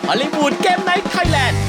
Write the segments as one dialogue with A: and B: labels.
A: ฮอลลีวูดเกมไนท์ไทยแลนด์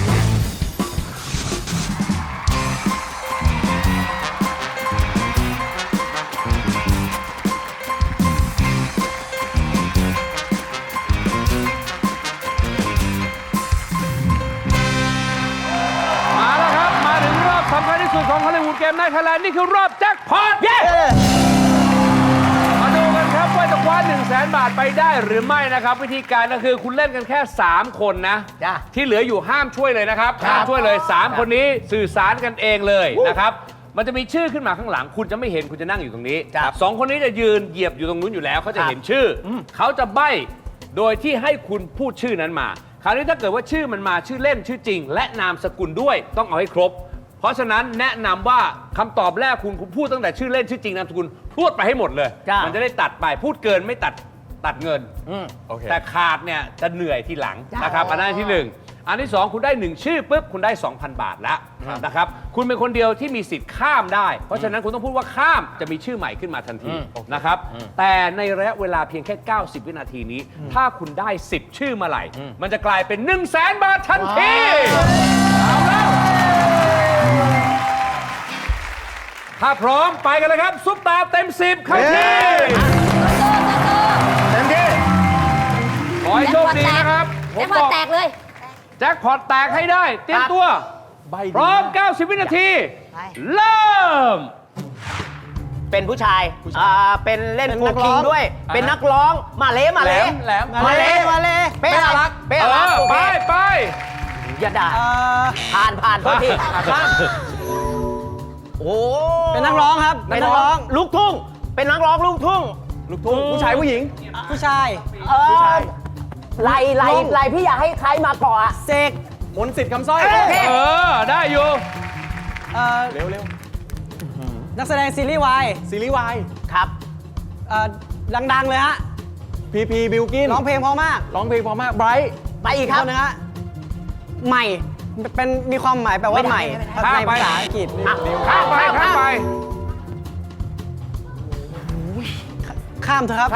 B: มาแล้วครับ มาถึงรอบสำคัญที่สุดของฮอลลีวูดเกมไนท์ไทยแลนด์นี่คือรอบแจ็คพอตเย้มาดูกันครับว่าจะคว้า 100,000 บาทไปได้หรือไม่นะครับ วิธีการก็คือคุณเล่นกันแค่ 3 คนนะ ที่เหลืออยู่ห้ามช่วยเลยนะครับห้ามช่วยเลย 3 คนนี้สื่อสารกันเองเลยนะครับ มันจะมีชื่อขึ้นมาข้างหลัง คุณจะไม่เห็นคุณจะนั่งอยู่ตรงนี้2 คนนี้จะยืนเหยียบอยู่ตรงนู้นอยู่แล้วเขาจะเห็นชื่อเขาจะใบ้โดยที่ให้คุณพูดชื่อนั้นมาคราวนี้ถ้าเกิดว่าชื่อมันมาชื่อเล่นชื่อจริง และนามสกุลด้วยต้องเอาให้ครบเพราะฉะนั้นแนะนำว่าคำตอบแรกคุณพูดตั้งแต่ชื่อเล่นชื่อจริงนามสกุลพูดไปให้หมดเลยมันจะได้ตัดไปพูดเกินไม่ตัดเงินแต่ขาดเนี่ยจะเหนื่อยทีหลังนะครับอันนั้นที่1อันที่2คุณได้1ชื่อปุ๊บคุณได้ 2,000 บาทแล้วนะครับคุณเป็นคนเดียวที่มีสิทธิ์ข้ามได้เพราะฉะนั้นคุณต้องพูดว่าข้ามจะมีชื่อใหม่ขึ้นมาทันทีนะครับแต่ในระยะเวลาเพียงแค่90 วินาทีนี้ถ้าคุณได้10ชื่อมาไหร่มันจะกลายเป็น 100,000 บาททันทีเอาแล้วถ้าพร้อมไปกันเลยครับซุปตาเต็ม10เข้าที่เต็มที่ขอให้โชคดีนะครับ
C: แจ็คพอตแตกเลย
B: แจ็คพอตแตกให้ได้เตรียมตัวพร้อม90 วินาทีเริ่ม
D: เป็นผู้ชายเป็นเล่นโฟล์คิงด้วยเป็นนักร้องมาเล่เป้อารัก
B: ไป
D: อย่าด่าผ่านโทษทีโอ้
E: เป็นนักร้องครับ
D: เป็นนักร้องลูกทุ่งเป็นนักร้องลูกทุ่ง
E: ผู้ชายผู้หญิงผู้ชาย
D: ไล่พี่อยากให้ใครมาก่อน
E: เสกมนต์สิทธิ์คำสร้อย
B: ได้อยู่
E: เร็วนักแสดงซีรีส์วาย
D: ครับ
E: ดังๆเลยฮะพีบิลกินร้องเพลงเพราะมากไบรท์
D: ไปอีกครับ
E: นะฮะใหม่เป็นมีความหมายแปลว่าใหม่ในภาษาอังกฤษ
B: ข้ามไป
E: ข้ามเถอะครับ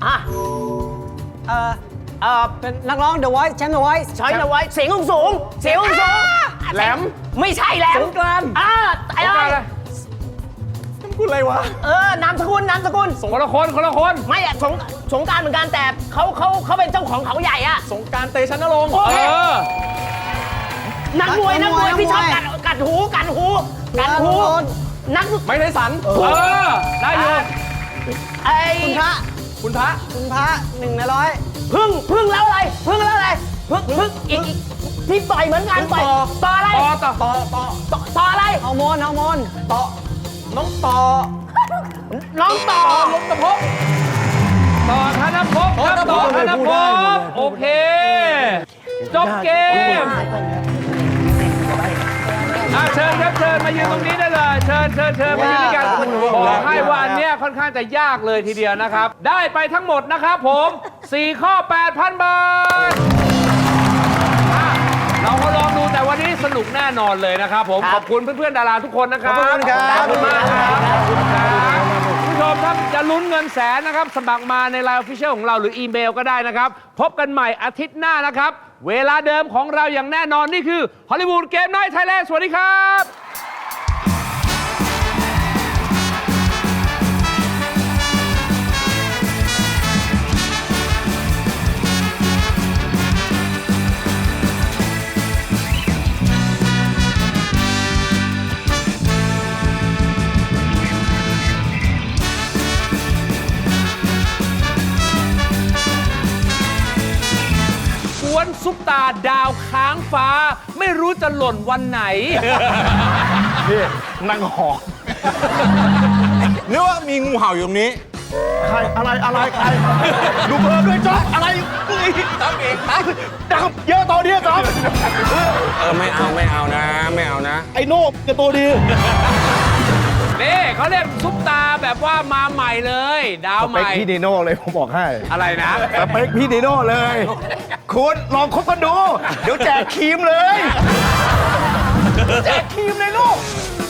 E: เป็นนักร้อง The Voice แชมป์ The Voice
D: The Voice เสียงสูง
B: แหลม
D: ไม่ใช่แหลม
E: สงกรานต์
D: อะไร
E: พูดอะไรวะ
D: นามสกุล
B: คนละคน
D: ไม่สงการเหมือนกันแต่เขาเป็นเจ้าของเขาใหญ่อะ
E: สงการเตชันนรงค์
D: นักมวยที่ชอบกัดหูนัก
B: ไม่ได้สันได้อยู่
E: คุณพระ1 ใน 100
D: พึ่งแล้วอะไรพึ่งอีกที่ต่อยเหมือนกันต่ออะไรต่ออะไร
E: ฮอร์โมน
D: ต่อน้องต่อ
B: ลงตะพบต่อธนภพโอเคจบเกมเชิญครับเชิญมายืนตรงนี้ได้เลยเชิญมายืนด้วยกันบอกให้ว่าอันเนี้ยค่อนข้างจะยากเลยทีเดียวนะครับได้ไปทั้งหมดนะครับผม4 ข้อ 8,000 บาทเราก็ลองดูแต่วันนี้สนุกแน่นอนเลยนะครับผมขอบคุณเพื่อนๆดาราทุกคนนะครับขอบคุณมากครับผู้ชมครับจะลุ้นเงินแสนนะครับสมัครมาใน LINE Official ของเราหรืออีเมลก็ได้นะครับพบกันใหม่อาทิตย์หน้านะครับเวลาเดิมของเราอย่างแน่นอนนี่คือฮอลลีวูดเกมไนท์ไทยแลนด์สวัสดีครับซุปตาดาวค้างฟ้าไม่รู้จะหล่นวันไหน
A: นี่นั่งหอกหรือว่ามีงูเห่าอยู่ตรงนี้ใครอะไรใครดูเพิ่มด้วยจ๊อบอะไรจ๊อบเองดับเยอะตัวนี้จ๊อบ
B: ไม่เอานะ
A: ไอ้โน่จะตัวดี
B: นี่เขาเรียกซุปตาแบบว่ามาใหม่เลยดาวใหม่
A: สเปคพี่ดีโน่เลยผมบอกให้
B: อะไรนะ
A: สเปคพี่ดีโน่เลยคุณลองคบกันดูเดี๋ยวแจกครีมเลยแจกครีมเลยลูก